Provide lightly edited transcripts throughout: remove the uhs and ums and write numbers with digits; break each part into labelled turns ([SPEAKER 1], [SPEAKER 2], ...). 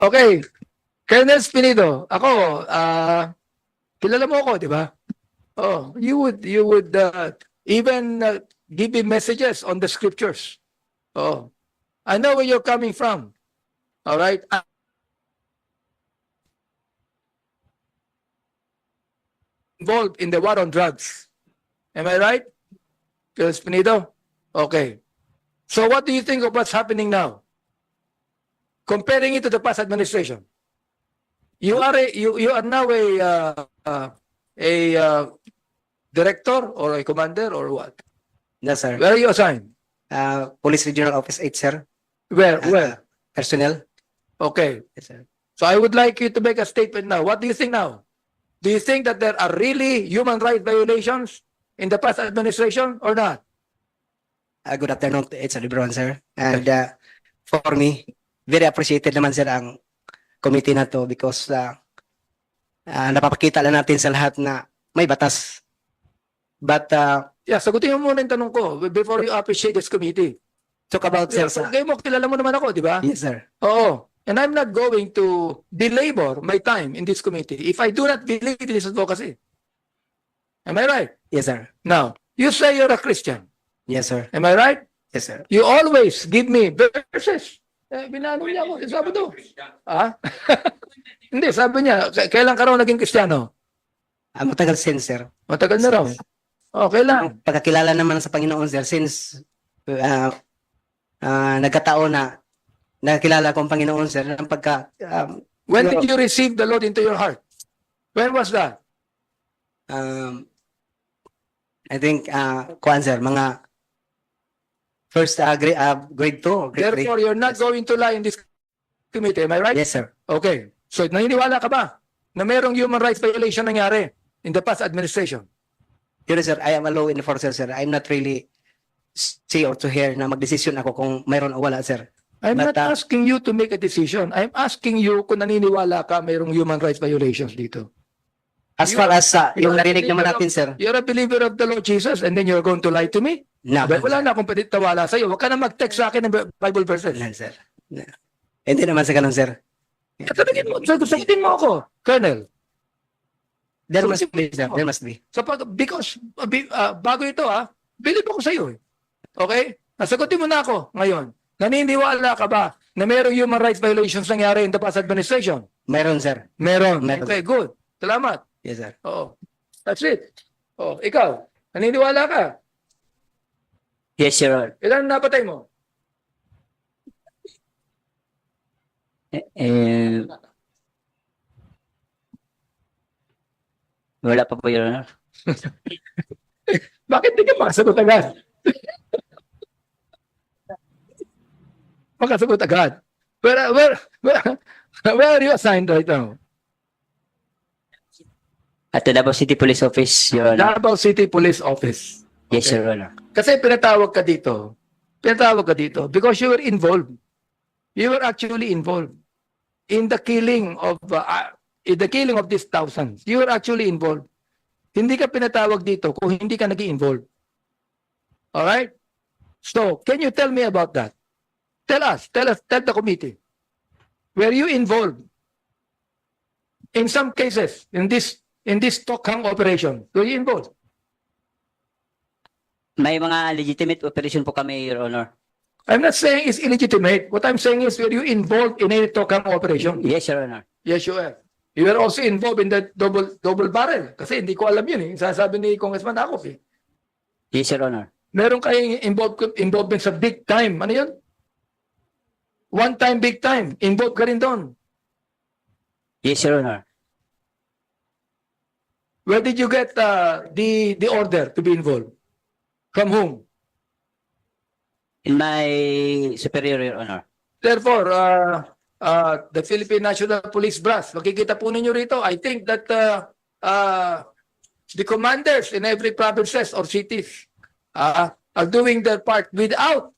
[SPEAKER 1] Okay. Colonel Spinido, ako, kilala mo ako, di ba? Oh, you would even give me messages on the scriptures. Oh, I know where you're coming from. All right. Involved in the war on drugs. Am I right? Colonel Spinido? Okay. So what do you think of what's happening now? Comparing it to the past administration. You are now a director or a commander or what?
[SPEAKER 2] No, sir.
[SPEAKER 1] Where are you assigned?
[SPEAKER 2] Police Regional Office 8, sir.
[SPEAKER 1] Where?
[SPEAKER 2] Personnel.
[SPEAKER 1] Okay.
[SPEAKER 2] Yes, sir.
[SPEAKER 1] So I would like you to make a statement now. What do you think now? Do you think that there are really human rights violations in the past administration or not?
[SPEAKER 2] Good afternoon. It's Lebron, sir. And for me, very appreciated naman, sir, ang committee na to because napapakita lang natin sa lahat na may batas. But
[SPEAKER 1] Yeah, sagutin mo muna yung tanong ko before you appreciate this committee.
[SPEAKER 2] talk about, sir,
[SPEAKER 1] Yeah, kaya mo, kilala mo naman ako, di ba?
[SPEAKER 2] yes, sir.
[SPEAKER 1] Oo. And I'm not going to belabor my time in this committee if I do not believe in this advocacy. Am I right?
[SPEAKER 2] Yes, sir.
[SPEAKER 1] Now, you say you're a Christian.
[SPEAKER 2] Yes, sir.
[SPEAKER 1] Am I right?
[SPEAKER 2] Yes, sir.
[SPEAKER 1] You always give me verses. Binano niya ako. Sabi to. Ah? Hindi, sabi niya, kailan ka raw naging Kristiyano?
[SPEAKER 2] Matagal since, sir.
[SPEAKER 1] Matagal na raw. Oh, kailan?
[SPEAKER 2] Ang pagkakilala naman sa Panginoon, sir, since nagkataon na nakilala ko ang Panginoon, sir, ng pagka...
[SPEAKER 1] When did you receive the Lord into your heart? When was that?
[SPEAKER 2] I think, kuan, sir, mga first grade 2 or grade 3.
[SPEAKER 1] Therefore, you're not going to lie in this committee. Am I right?
[SPEAKER 2] Yes, sir.
[SPEAKER 1] Okay. So, naniniwala ka ba na mayroong human rights violation nangyari in the past administration?
[SPEAKER 2] Yes, sir. I am a law enforcer, sir. I'm not really see or to hear na magdesisyon ako kung mayroon o wala, sir.
[SPEAKER 1] I'm
[SPEAKER 2] But,
[SPEAKER 1] not asking you to make a decision. I'm asking you kung naniniwala ka mayroong human rights violations dito.
[SPEAKER 2] As far as yung narinig naman natin, sir.
[SPEAKER 1] You're a believer of the Lord Jesus and then you're going to lie to me?
[SPEAKER 2] No.
[SPEAKER 1] Wala na akong panitawala sa'yo. Huwag ka na mag-text sa akin ng Bible verses.
[SPEAKER 2] No, sir. No. Hindi naman sa ganun, sir.
[SPEAKER 1] Sagutin mo ako, Colonel.
[SPEAKER 2] There must be, sir. There must be.
[SPEAKER 1] So, because bago ito, believe ako sa'yo. Okay? Nasagutin mo na ako ngayon. Naniniwala ka ba na mayroong human rights violations nangyari in the past administration?
[SPEAKER 2] Mayroon, sir.
[SPEAKER 1] Meron.
[SPEAKER 2] Meron.
[SPEAKER 1] Okay, good. Salamat.
[SPEAKER 2] Yes, sir.
[SPEAKER 1] Oo. That's it. Oh, ikaw, naniniwala ka?
[SPEAKER 2] Yes, sir.
[SPEAKER 1] Ilan napatay mo?
[SPEAKER 2] Wala pa po, Your Honor.
[SPEAKER 1] Bakit di ka makasagot agad? Makasagot agad. Where are you assigned right now?
[SPEAKER 3] At the Davao City Police Office, Your Honor.
[SPEAKER 1] Davao City Police Office.
[SPEAKER 3] Yes,
[SPEAKER 1] Okay.
[SPEAKER 3] Your Honor.
[SPEAKER 1] Kasi pinatawag ka dito because you were involved. You were actually involved in the killing of these thousands. You were actually involved. Hindi ka pinatawag dito kung hindi ka nag-involve. All right? So, can you tell me about that? Tell the committee. Were you involved in some cases in this Tokhang operation? Were you involved?
[SPEAKER 3] May mga legitimate operation po kami, Your Honor.
[SPEAKER 1] I'm not saying it's illegitimate. What I'm saying is, were you involved in any Tokhang operation?
[SPEAKER 3] Yes, Your Honor.
[SPEAKER 1] Yes, you are. You were also involved in the double barrel. Kasi hindi ko alam yun eh. Sasabi ni Congressman Akop eh.
[SPEAKER 3] Yes, Your Honor.
[SPEAKER 1] Meron kayong involvement sa big time. Ano yun? One time, big time. Involved ka rin doon.
[SPEAKER 3] Yes, Your Honor.
[SPEAKER 1] Where did you get the order to be involved? From whom?
[SPEAKER 3] In my superior, Your Honor.
[SPEAKER 1] Therefore, the Philippine National Police Brass, makikita po ninyo rito, I think that the commanders in every provinces or cities are doing their part without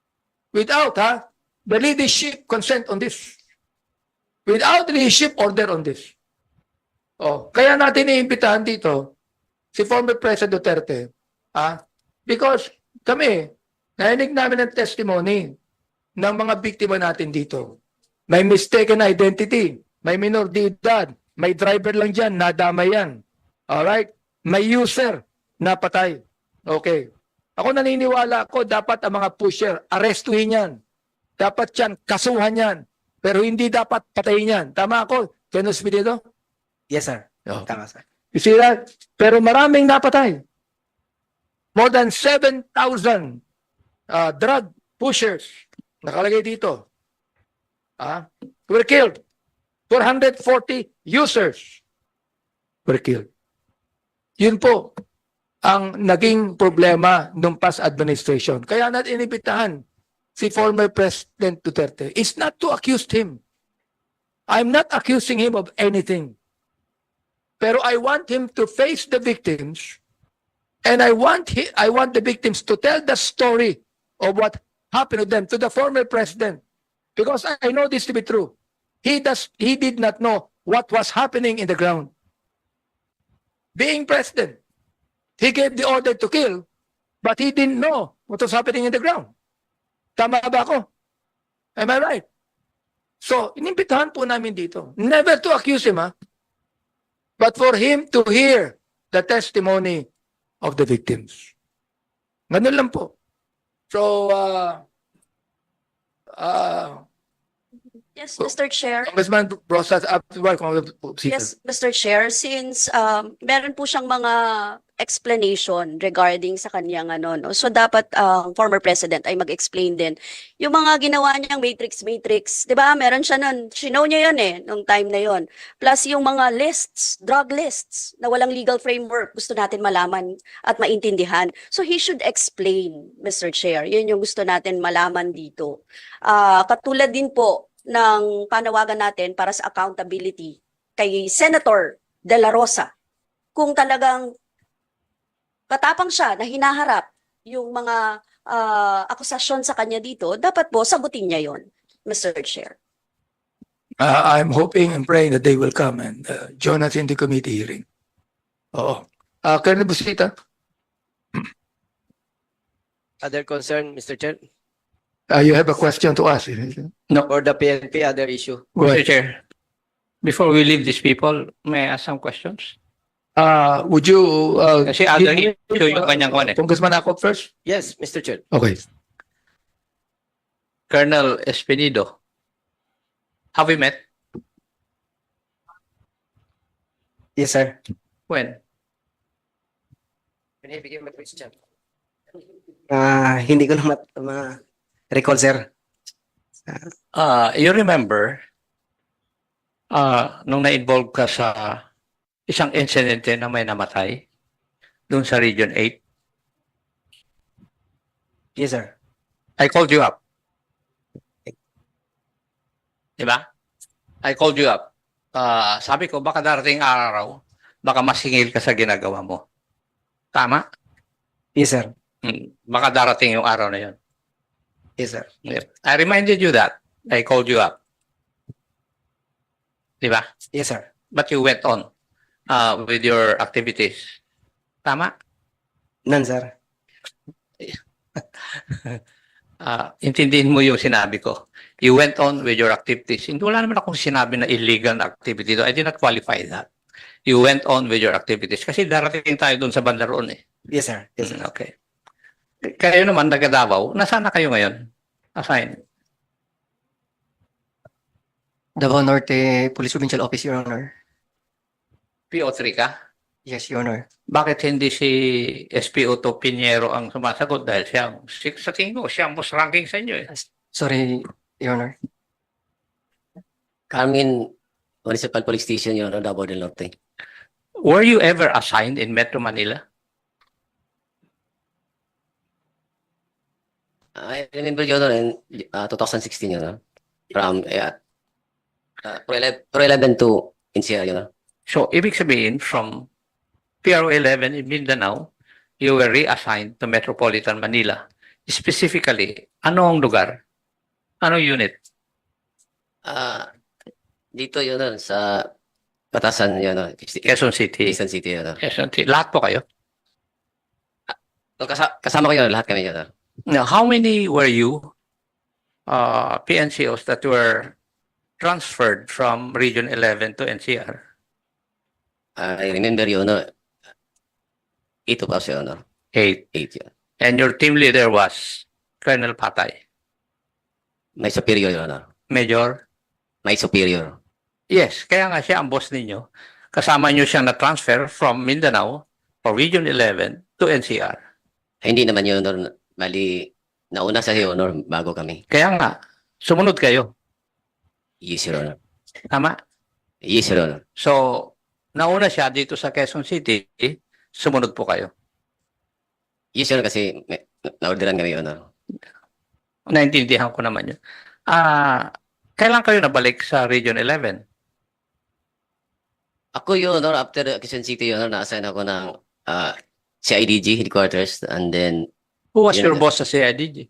[SPEAKER 1] the leadership consent on this. Without leadership order on this. Oh, kaya natin iimbitahan dito si former President Duterte, because kami, narinig namin ang testimony ng mga biktima natin dito. May mistaken identity. May minor de edad. May driver lang dyan, nadama yan. Alright? May user, napatay. Okay. Ako naniniwala ko, dapat ang mga pusher, arestuhin yan. Dapat yan, kasuhan yan. Pero hindi dapat patayin yan. Tama ako? Kenos dito?
[SPEAKER 2] Yes, sir.
[SPEAKER 1] Oh.
[SPEAKER 2] Tama, sir.
[SPEAKER 1] You see that? Pero maraming napatay. More than 7,000 drug pushers nakalagay dito. Were killed. 440 users were killed. Yun po ang naging problema ng past administration. Kaya natin inibitahan si former President Duterte is not to accuse him. I'm not accusing him of anything. Pero I want him to face the victims, and I want the victims to tell the story of what happened to them, to the former president. Because I know this to be true. He did not know what was happening in the ground. Being president, he gave the order to kill, but he didn't know what was happening in the ground. Tama ba ako? Am I right? So, inimbitahan po namin dito. Never to accuse him, but for him to hear the testimony of the victims. Ganun lang po. So,
[SPEAKER 4] Yes, Mr. Chair.
[SPEAKER 1] Congressman Rosas,
[SPEAKER 4] Yes, Mr. Chair, since meron po siyang mga explanation regarding sa kanyang no. So dapat former president ay mag-explain din yung mga ginawa niyang matrix, 'di ba? Meron siya noon. Sinow niya 'yon nung time na 'yon. Plus yung mga lists, drug lists na walang legal framework, gusto natin malaman at maintindihan. So he should explain, Mr. Chair. 'Yun yung gusto natin malaman dito. Katulad din po ng panawagan natin para sa accountability kay Senator De La Rosa. Kung talagang patapang siya na hinaharap yung mga akusasyon sa kanya dito, dapat po sagutin niya yon, Mr. Chair.
[SPEAKER 1] I'm hoping and praying that they will come and join us in the committee hearing. Oo. Colonel Busita,
[SPEAKER 5] Other concern, Mr. Chair?
[SPEAKER 1] you have a question to ask.
[SPEAKER 5] For the PNP, other issue.
[SPEAKER 1] Go
[SPEAKER 6] Mr.
[SPEAKER 1] ahead.
[SPEAKER 6] Chair, before we leave these people, may I ask some questions?
[SPEAKER 1] Would you...
[SPEAKER 6] Kasi other
[SPEAKER 1] give-
[SPEAKER 6] issue yung kanyang kwan eh.
[SPEAKER 1] Congressman Akop first?
[SPEAKER 5] Yes, Mr. Chair.
[SPEAKER 1] Okay.
[SPEAKER 6] Colonel Espinido, have we met?
[SPEAKER 2] Yes, sir.
[SPEAKER 6] When?
[SPEAKER 5] Can you begin my question?
[SPEAKER 2] Hindi ko na recall, sir.
[SPEAKER 6] You remember, nung na-involve ka sa isang incidente na may namatay doon sa Region 8,
[SPEAKER 2] Yes, sir.
[SPEAKER 6] I called you up. Diba? I called you up. Sabi ko, baka darating araw, baka masingil ka sa ginagawa mo. Tama?
[SPEAKER 2] Yes, sir.
[SPEAKER 6] Baka darating yung araw na yun.
[SPEAKER 2] Yes, sir.
[SPEAKER 6] Yep. I reminded you that. I called you up. Diba?
[SPEAKER 2] Yes, sir.
[SPEAKER 6] But you went on with your activities. Tama?
[SPEAKER 2] None, sir.
[SPEAKER 6] Intindihin mo yung sinabi ko. You went on with your activities. Hindi, wala naman akong sinabi na illegal na activity. I did not qualify that. You went on with your activities. Kasi darating tayo doon sa banda roon eh.
[SPEAKER 2] Yes, sir. Yes, sir.
[SPEAKER 6] Okay. Kayo naman, taga Davao, nasaan na kayo ngayon? Assign.
[SPEAKER 7] Davao Norte Police Provincial Office, Your Honor.
[SPEAKER 6] PO3 ka?
[SPEAKER 7] Yes, Your Honor.
[SPEAKER 6] Bakit hindi si SPO to Pinheiro ang sumasagot? Dahil siya, sa tingin ko, siya ang most ranking sa inyo eh.
[SPEAKER 7] Sorry, Your Honor.
[SPEAKER 8] Carmen Municipal Police Station, Your Honor, Davao del Norte.
[SPEAKER 6] Were you ever assigned in Metro Manila?
[SPEAKER 8] I remember, Your Honor, in 2016, Your Honor, from Pro 11 to NCR, Your Honor.
[SPEAKER 6] So, ibig sabihin, from PRO 11 in Mindanao, you were reassigned to Metropolitan Manila. Specifically, anong lugar? Anong unit?
[SPEAKER 8] Dito, Your Honor, sa Batasan, Your Honor,
[SPEAKER 6] Quezon City.
[SPEAKER 8] Quezon City, Your Honor.
[SPEAKER 6] Quezon City. Lahat po kayo?
[SPEAKER 8] Kasama ko, Your Honor, lahat kami, Your Honor.
[SPEAKER 6] Now, how many were you, PNCOs that were transferred from Region 11 to NCR?
[SPEAKER 8] I remember, Your Honor, 8 of us, Your Honor.
[SPEAKER 6] 8.
[SPEAKER 8] 8, yun.
[SPEAKER 6] And your team leader was Colonel Patay.
[SPEAKER 8] My superior, Your Honor.
[SPEAKER 6] Major?
[SPEAKER 8] My superior.
[SPEAKER 6] Yes, kaya nga siya ang boss ninyo. Kasama nyo siyang na-transfer from Mindanao or Region 11 to NCR.
[SPEAKER 8] Hindi naman, Your Honor. Bali, nauna sa Your Honor bago kami.
[SPEAKER 6] Kaya nga, sumunod kayo.
[SPEAKER 8] Yes, Your Honor.
[SPEAKER 6] Tama?
[SPEAKER 8] Yes, Your Honor.
[SPEAKER 6] So, nauna siya dito sa Quezon City, sumunod po kayo.
[SPEAKER 8] Yes, Your Honor, kasi na-orderan kami, Your Honor.
[SPEAKER 6] Naintindihan ko naman yun. Kailan kayo nabalik sa Region 11?
[SPEAKER 8] Ako, Your Honor, after Quezon City, Your Honor, na-assign ako ng CIDG headquarters, and then
[SPEAKER 6] Who was
[SPEAKER 8] Yun
[SPEAKER 6] your
[SPEAKER 8] nga.
[SPEAKER 6] boss sa CIDG?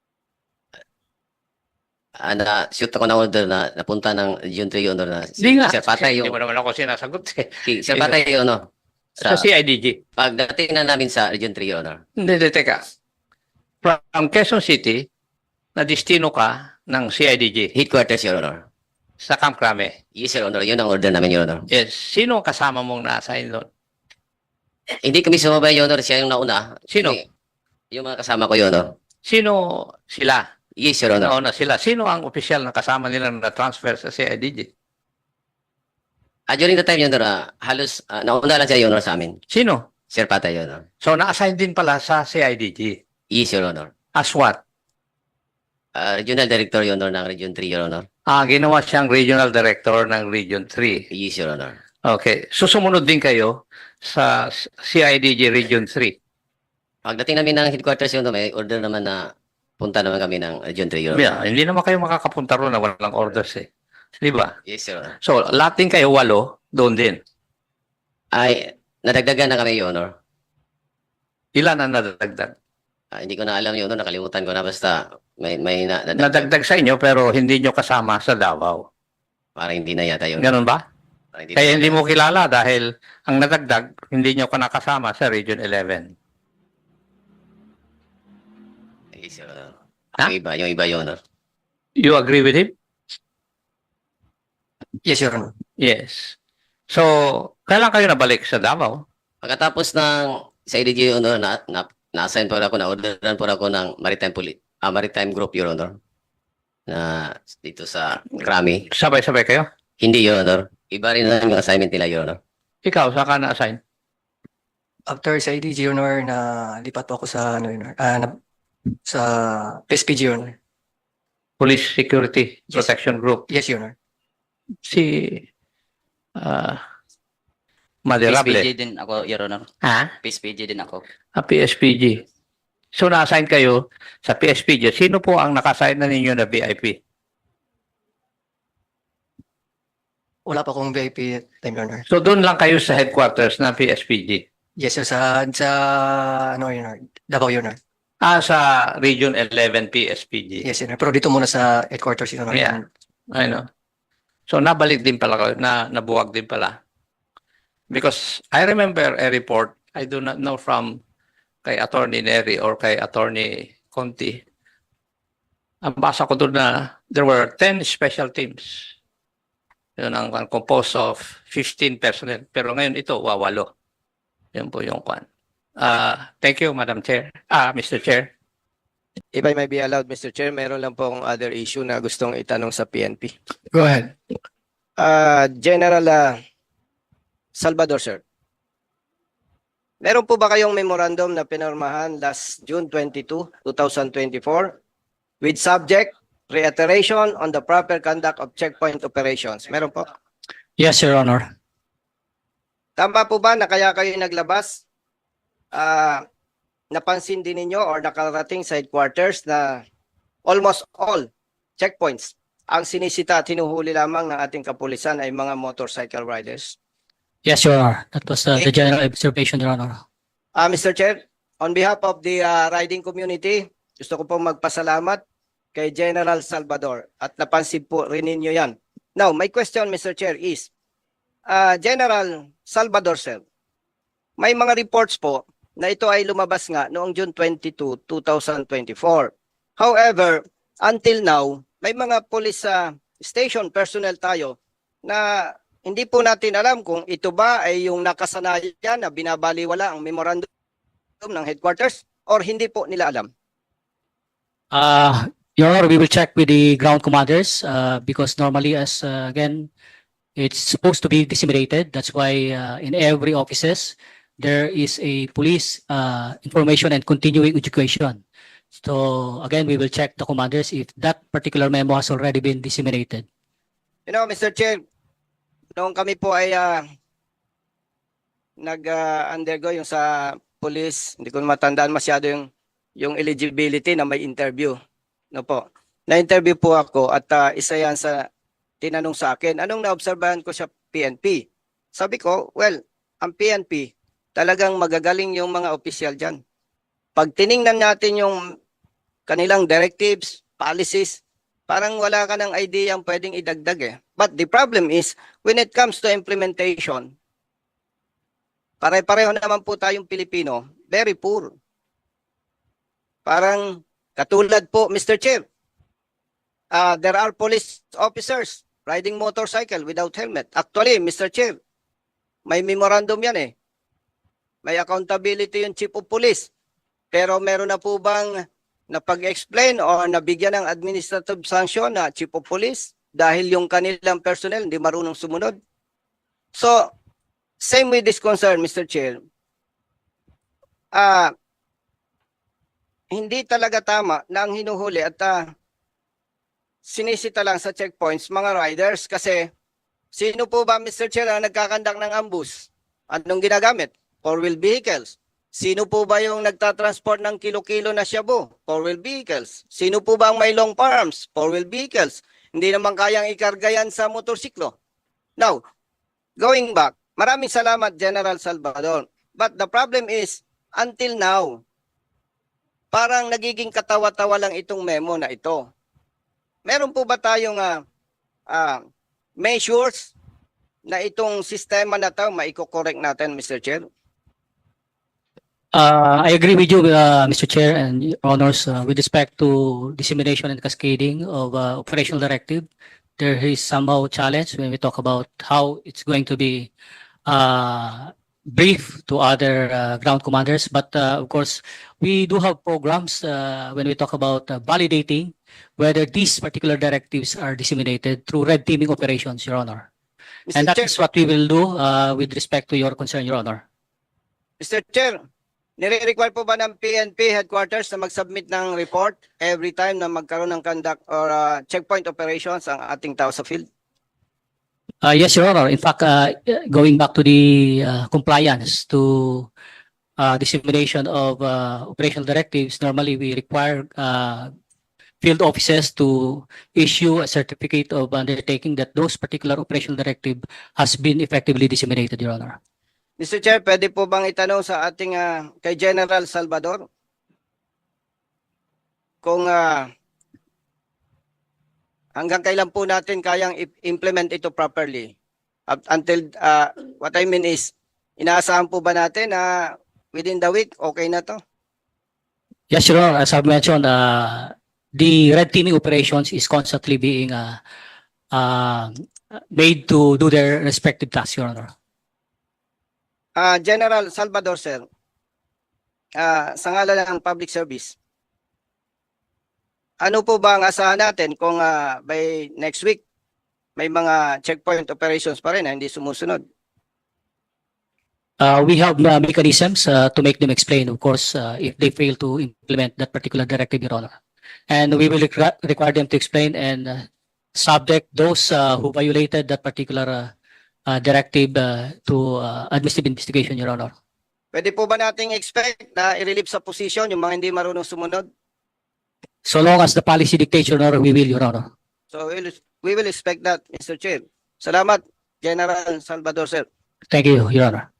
[SPEAKER 8] na-shoot ako ng order na napunta ng Region 3, Your Honor, na
[SPEAKER 6] Hindi nga.
[SPEAKER 8] Sir Patay,
[SPEAKER 6] Hindi
[SPEAKER 8] yung
[SPEAKER 6] mo naman ako sinasagot eh.
[SPEAKER 8] Sir Patay, Your Honor.
[SPEAKER 6] Sa CIDG.
[SPEAKER 8] Pagdating na namin sa Region 3, Your Honor.
[SPEAKER 6] Hindi, teka. From Quezon City, na destino ka ng CIDG
[SPEAKER 8] Headquarters, Your Honor.
[SPEAKER 6] sa Camp Crame.
[SPEAKER 8] Yes, Your Honor. Yun ang order namin, Your Honor.
[SPEAKER 6] Yes. Sino ang kasama mong na-assign doon?
[SPEAKER 8] Hindi kami sumabay, Your Honor. Siya yung nauna.
[SPEAKER 6] Sino?
[SPEAKER 8] Kasi yung mga kasama ko, Your Honor.
[SPEAKER 6] Sino sila?
[SPEAKER 8] Yes, Your Honor.
[SPEAKER 6] Nauna sila. Sino ang opisyal na kasama nila na transfer sa CIDG?
[SPEAKER 8] During the time, Your Honor, halos nauna lang siya, Your Honor, sa amin.
[SPEAKER 6] Sino?
[SPEAKER 8] Sir Patay, Your Honor.
[SPEAKER 6] So, na-assign din pala sa CIDG.
[SPEAKER 8] Yes, Your Honor.
[SPEAKER 6] As what?
[SPEAKER 8] Regional Director, Your Honor, ng Region 3, Your Honor.
[SPEAKER 6] Ginawa siyang Regional Director ng Region 3.
[SPEAKER 8] Yes, Your Honor.
[SPEAKER 6] Okay. So, sumunod din kayo sa CIDG Region 3.
[SPEAKER 8] Pagdating namin ng headquarters, Your Honor, may order naman na punta naman kami ng Region 3, Your Honor.
[SPEAKER 6] Yeah, hindi naman kayo makakapunta roon na walang orders eh. Di ba?
[SPEAKER 8] Yes, Your Honor.
[SPEAKER 6] So, lahat din kayo 8 doon din.
[SPEAKER 8] Ay, nadagdagan na kami, Your Honor.
[SPEAKER 6] Ilan ang nadagdag?
[SPEAKER 8] Hindi ko na alam, Your Honor. Nakalimutan ko na. Basta may
[SPEAKER 6] Nadagdag sa inyo pero hindi nyo kasama sa Davao.
[SPEAKER 8] Parang hindi na yata, Your Honor.
[SPEAKER 6] Ganun ba?
[SPEAKER 8] Parang
[SPEAKER 6] Kaya
[SPEAKER 8] na
[SPEAKER 6] hindi
[SPEAKER 8] yata.
[SPEAKER 6] mo kilala dahil ang nadagdag, hindi nyo ka nakasama sa Region 11.
[SPEAKER 8] Yes, Your Honor.
[SPEAKER 6] Ha?
[SPEAKER 8] Yung iba, Your Honor.
[SPEAKER 6] You agree with him?
[SPEAKER 7] Yes, Your Honor.
[SPEAKER 6] Yes. So, kailan kayo nabalik sa Davao?
[SPEAKER 8] Pagkatapos ng sa IDG, Your Honor, na-assign po ako, na-orderan po ako ng Maritime Group, Your Honor. Na dito sa Krami.
[SPEAKER 6] Sabay-sabay kayo?
[SPEAKER 8] Hindi, Your Honor. Iba rin na yung assignment nila, Your Honor.
[SPEAKER 6] Ikaw, saan ka na-assign?
[SPEAKER 7] After sa IDG, Your Honor, na lipat po ako sa, Your Honor, sa PSPG, Your Honor.
[SPEAKER 6] Police Security Protection Group.
[SPEAKER 7] Yes, Your Honor.
[SPEAKER 6] Si Maderable.
[SPEAKER 3] PSPG din ako, Your Honor.
[SPEAKER 6] Ha?
[SPEAKER 3] PSPG din ako.
[SPEAKER 6] PSPG. So, na-assign kayo sa PSPG. Sino po ang naka-assign na ninyo na VIP?
[SPEAKER 7] Wala pa akong VIP time, Your Honor.
[SPEAKER 6] So, doon lang kayo sa headquarters ng PSPG.
[SPEAKER 7] Yes, sir, sa ano, Your Honor, Davao, Your Honor.
[SPEAKER 6] Sa Region 11 PSPG.
[SPEAKER 7] Yes, Your Honor. Pero dito muna sa headquarters, Your Honor.
[SPEAKER 6] Yeah. I know. So, nabalik din pala kayo, nabuwag din pala. Because I remember a report, I do not know from kay Attorney Neri or kay Attorney Conti. Ang basa ko doon na there were 10 special teams. Yun ang composed of 15 personnel. Pero ngayon ito, 8. Yun po yung kwan. Thank you, Madam Chair. Mr. Chair.
[SPEAKER 5] If I may be allowed, Mr. Chair, meron lang po akong other issue na gustong itanong sa PNP.
[SPEAKER 1] Go ahead.
[SPEAKER 5] General Salvador, sir. Meron po ba kayong memorandum na pinirmahan last June 22, 2024 with subject reiteration on the proper conduct of checkpoint operations? Meron po?
[SPEAKER 9] Yes, Your Honor.
[SPEAKER 5] Tama po ba na kaya kayo naglabas? Napansin din ninyo or nakarating sa headquarters na almost all checkpoints ang sinisita at hinuhuli lamang ng ating kapulisan ay mga motorcycle riders?
[SPEAKER 9] Yes, Your Honor. That was the general observation, Your Honor.
[SPEAKER 5] Mr. Chair, on behalf of the riding community, gusto ko pong magpasalamat kay General Salvador at napansin po rin ninyo yan. Now, my question, Mr. Chair, is General Salvador, sir, may mga reports po na ito ay lumabas nga noong June 22, 2024. However, until now, may mga police station personnel tayo na hindi po natin alam kung ito ba ay yung nakasanayan na binabaliwala ang memorandum ng headquarters or hindi po nila alam.
[SPEAKER 9] Your Honor, we will check with the ground commanders because normally, as again, it's supposed to be disseminated. That's why in every offices there is a police information and continuing education. So again, we will check the commanders if that particular memo has already been disseminated.
[SPEAKER 5] You know, Mr. Chair, noong kami po ay nag-undergo yung sa police, hindi ko matandaan masyado yung eligibility na may interview. No po. Na-interview po ako at isa yan sa tinanong sa akin, anong naobserbahan ko sa PNP? Sabi ko, well, ang PNP, talagang magagaling yung mga opisyal dyan. Pag tiningnan natin yung kanilang directives, policies, parang wala ka ng idea ang pwedeng idagdag eh. But the problem is, when it comes to implementation, pare-pareho naman po tayong Pilipino, very poor. Parang katulad po, Mr. Chair, there are police officers riding motorcycle without helmet. Actually, Mr. Chair, may memorandum yan eh. May accountability yung chief of police. Pero meron na po bang napag-explain o nabigyan ng administrative sanction na chief of police dahil yung kanilang personnel hindi marunong sumunod? So, same with this concern, Mr. Chair. Hindi talaga tama na ang hinuhuli at sinisita lang sa checkpoints mga riders kasi sino po ba, Mr. Chair, ang nagkakandak ng ambush? Anong ginagamit? Four-wheel vehicles. Sino po ba yung nagtatransport ng kilo-kilo na shabu? Four-wheel vehicles. Sino po ba ang may long farms? Four-wheel vehicles. Hindi naman kayang ikarga yan sa motorsiklo. Now, going back, maraming salamat, General Salvador. But the problem is, until now, parang nagiging katawa-tawa lang itong memo na ito. Meron po ba tayong measures na itong sistema na ito maiko-correct natin, Mr. Chair?
[SPEAKER 9] I agree with you, Mr. Chair and Your Honors, with respect to dissemination and cascading of operational directive. There is somehow challenge when we talk about how it's going to be brief to other ground commanders. But of course, we do have programs when we talk about validating whether these particular directives are disseminated through red teaming operations, Your Honor. And that
[SPEAKER 5] Chair,
[SPEAKER 9] is what we will do with respect to your concern, Your Honor.
[SPEAKER 5] Mr. Chair, nire-require po ba ng PNP headquarters na mag-submit ng report every time na magkaroon ng conduct or checkpoint operations ang ating tao sa field?
[SPEAKER 9] Yes, Your Honor. In fact, going back to the compliance to dissemination of operational directives, normally we require field offices to issue a certificate of undertaking that those particular operational directive has been effectively disseminated, Your Honor.
[SPEAKER 5] Mr. Chair, pwede po bang itanong sa ating kay General Salvador kung hanggang kailan po natin kayang implement ito properly? Until, what I mean is, inaasahan po ba natin na within the week, okay na to?
[SPEAKER 9] Yes, Your Honor. As I've mentioned, the red teaming operations is constantly being made to do their respective tasks, Your Honor.
[SPEAKER 5] General Salvador, sir, sa ngalan ng public service, ano po ba ang asahan natin kung by next week may mga checkpoint operations pa rin na hindi sumusunod?
[SPEAKER 9] We have mechanisms to make them explain, of course, if they fail to implement that particular directive, Your Honor. And we will require them to explain and subject those who violated that particular directive to administrative investigation, Your Honor.
[SPEAKER 5] Pwede po ba nating expect na i-relieve sa position yung mga hindi marunong sumunod?
[SPEAKER 9] So long as the policy dictates, Your Honor, we will, Your Honor.
[SPEAKER 5] So we will expect that, Mr. Chair. Salamat, General Salvador, sir.
[SPEAKER 9] Thank you, Your Honor.